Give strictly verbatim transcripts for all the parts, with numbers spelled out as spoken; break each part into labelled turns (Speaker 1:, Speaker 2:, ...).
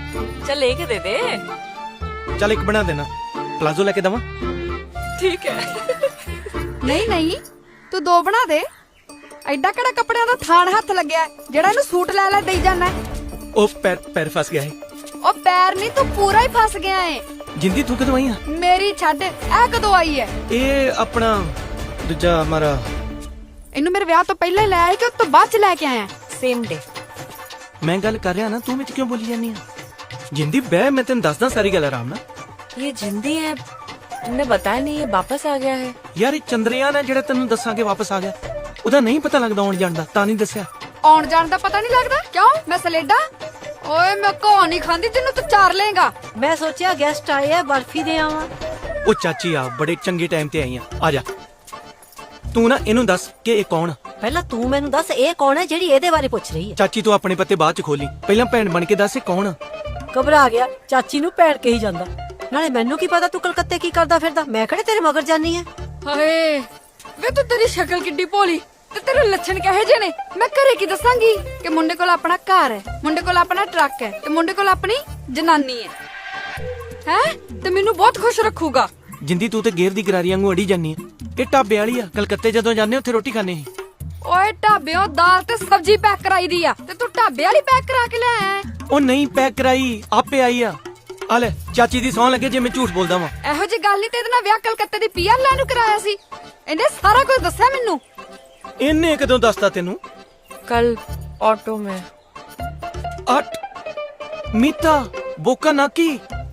Speaker 1: चल लेके दे दे।
Speaker 2: चल एक बना देना, प्लाजो लेके दवा।
Speaker 1: ठीक है।
Speaker 3: ਨਹੀਂ ਨਹੀਂ ਤੂੰ ਦੋ ਬਣਾ ਦੇ। ਐਡਾ ਕਿਹੜਾ ਕੱਪੜਿਆਂ ਦਾ ਥਾਣ ਹੱਥ ਲੱਗਿਆ ਜਿਹੜਾ ਇਹਨੂੰ ਸੂਟ ਲੈ ਲੈ ਦੇਈ ਜਾਣਾ।
Speaker 2: ओ पैर पैर फंस गया है।
Speaker 3: ਉਹ ਪੈਰ ਨਹੀਂ ਤੂੰ ਪੂਰਾ ਹੀ ਫਸ ਗਿਆ ਏ।
Speaker 2: जिंदी तू कदों आई है?
Speaker 3: ਮੇਰੀ ਛੱਡ ਇਹ ਕਦੋਂ ਆਈ ਹੈ?
Speaker 2: ये अपना दूजा हमारा
Speaker 3: ਇਹਨੂੰ ਮੇਰੇ ਵਿਆਹ ਤੋਂ ਪਹਿਲਾਂ ਹੀ ਲੈ ਆਇਆ ਕਿ ਉਸ ਤੋਂ ਬਾਅਦ ਚ ਲੈ ਕੇ ਆਇਆ?
Speaker 1: Same day.
Speaker 2: मैं गल कर रहा ना, तू विच क्यों बोली जानी है? जिंदी बह मैं तेन दसदा सारी गल आराम नाल।
Speaker 1: ये जिंदी है, तुमने बताया नहीं, ये वापस आ गया है।
Speaker 2: यार ये चंद्रयान है जेड़ा तेन दसांगे वापस आ गया, ਉਹਦਾ नहीं पता लगदा आउण जाण दा, तां नहीं दस्सिया।
Speaker 3: ਆਉਣ ਜਾਣ ਦਾ ਪਤਾ ਨਹੀਂ ਲੱਗਦਾ ਕਿਉਂ? ਮੈਂ ਸਲੇਡਾ ਓਏ ਮੈਂ ਘੋ ਨਹੀਂ ਖਾਂਦੀ ਤੈਨੂੰ ਤੂੰ ਚਾਰ ਲੇਗਾ।
Speaker 4: मैं सोचा गेस्ट आए हैं बर्फी दे आवा।
Speaker 2: ਉਹ ਚਾਚੀ ਆ ਬੜੇ ਚੰਗੇ ਟਾਈਮ ਤੇ ਆਈ ਆ, ਆ ਜਾ। ਤੂੰ ਨਾ ਇਹਨੂੰ ਦੱਸ ਕਿ ਇਹ ਕੌਣ ਆ।
Speaker 4: ਪਹਿਲਾਂ ਤੂੰ ਮੈਨੂੰ ਦੱਸ ਇਹ ਕੌਣ ਹੈ ਜਿਹੜੀ ਇਹਦੇ ਬਾਰੇ ਪੁੱਛ ਰਹੀ ਹੈ?
Speaker 2: ਚਾਚੀ ਤੂੰ ਆਪਣੇ ਪੱਤੇ ਬਾਅਦ ਚ ਖੋਲੀ, ਪਹਿਲਾਂ ਭੈਣ ਬਣ ਕੇ ਦੱਸ ਇਹ ਕੌਣ ਆ।
Speaker 4: ਘਬਰਾ ਗਿਆ, ਚਾਚੀ ਨੂੰ ਭੈਣ ਕਹੀ ਜਾਂਦਾ। ਨਾਲੇ ਮੈਨੂੰ ਕੀ ਪਤਾ ਤੂੰ ਕਲਕੱਤੇ ਕੀ ਕਰਦਾ ਫਿਰਦਾ, ਮੈਂ ਕਿਹੜੇ ਤੇਰੇ ਮਗਰ ਜਾਨੀ ਹੈ।
Speaker 3: ਹਾਏ ਵੇ ਤੂੰ ਤੇਰੀ ਸ਼ਕਲ ਕਿੱਡੀ ਭੋਲੀ ਤੇ ਤੇਰੇ ਲੱਛਣ ਕਹੇ ਜੇ ਨੇ। ਮੈਂ ਘਰੇ ਕੀ ਦੱਸਾਂਗੀ ਕਿ ਮੁੰਡੇ ਕੋਲ ਆਪਣਾ ਘਰ ਹੈ, ਮੁੰਡੇ ਕੋਲ ਆਪਣਾ ਟਰੱਕ ਹੈ ਤੇ ਮੁੰਡੇ ਕੋਲ ਆਪਣੀ ਜਨਾਨੀ ਹੈ ਹੈ ਤੇ ਮੈਨੂੰ ਬਹੁਤ ਖੁਸ਼ ਰੱਖੂਗਾ।
Speaker 2: ਜਿੰਦੀ ਤੂੰ ਤੇ ਗੇਰ ਦੀ ਗਰਾਰੀ ਵਾਂਗੂ ਅੜੀ ਜਾਨੀ ਆ। ਇਹ ਢਾਬੇ ਵਾਲੀ ਆ, ਕਲਕੱਤੇ ਜਦੋਂ ਜਾਂਦੇ ਉੱਥੇ ਰੋਟੀ ਖਾਣੇ ਸੀ।
Speaker 3: ਓਏ ਢਾਬਿਓਂ ਦਾਲ ਤੇ ਸਬਜ਼ੀ ਪੈਕ ਕਰਾਈ ਦੀ ਆ ਤੇ ਤੂੰ ਢਾਬੇ ਵਾਲੀ ਪੈਕ ਕਰਾ ਕੇ ਲੈ ਆਇਆ।
Speaker 2: ਉਹ ਨਹੀਂ ਪੈਕ ਕਰਾਈ, ਆਪੇ ਆਈ ਆ। ਆ ਲੈ ਚਾਚੀ ਦੀ ਸੌਂ ਲੱਗੇ ਜੇ ਮੈਂ ਝੂਠ ਬੋਲਦਾ ਵਾਂ।
Speaker 3: ਇਹੋ ਜੀ ਗੱਲ ਨਹੀਂ ਤੇ ਇਹਦੇ ਨਾਲ ਵਿਆਹ ਕਲਕੱਤੇ ਦੀ ਪੀਆਰ ਲੈਣ ਨੂੰ ਕਰਾਇਆ ਸੀ। ਇਹਨੇ ਸਾਰਾ ਕੁਝ ਦੱਸਿਆ ਮੈਨੂੰ।
Speaker 2: ਇਹਨੇ ਕਦੋਂ ਦੱਸਤਾ ਤੈਨੂੰ?
Speaker 1: कल ऑटो में।
Speaker 2: ਅੱਠ ਮੀਤਾ ਬੋਕਾ ਨਾਕੀ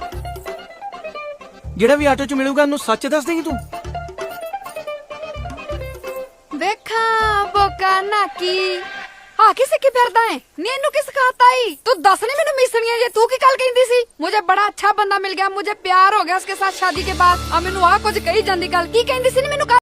Speaker 2: ਜਿਹੜਾ ਵੀ ਆਟੋ ਚ ਮਿਲੂਗਾ ਉਹਨੂੰ ਸੱਚ ਦੱਸ ਦੇਂਗੀ ਤੂੰ?
Speaker 3: ਵੇਖਾਂ ਬੋਕਾ ਨਾਕੀ ਹਾਂ ਕੀ ਸਿੱਖੀ ਫਿਰਦਾ ਹੈ ਨੀ? ਇਹਨੂੰ ਕੀ ਸਿਖਾਤਾ ਈ? ਤੂੰ ਦੱਸ ਨੀ ਮੈਨੂੰ ਮਿਸਣੀਆਂ ਜੇ ਤੂੰ ਕੀ ਗੱਲ ਕਹਿੰਦੀ ਸੀ? ਮੁਝੇ ਬੜਾ ਅੱਛਾ ਬੰਦਾ ਮਿਲ ਗਿਆ, ਮੁਝੇ ਪਿਆਰ ਹੋ ਗਿਆ ਉਸਕੇ ਸਾਥ ਸ਼ਾਦੀ ਕੇ ਬਾਅਦ। ਆ ਮੈਨੂੰ ਆ ਕੁਝ ਕਹੀ ਜਾਂਦੀ ਗੱਲ ਕੀ ਕਹਿੰਦੀ ਸੀ ਨੀ ਮੈਨੂੰ?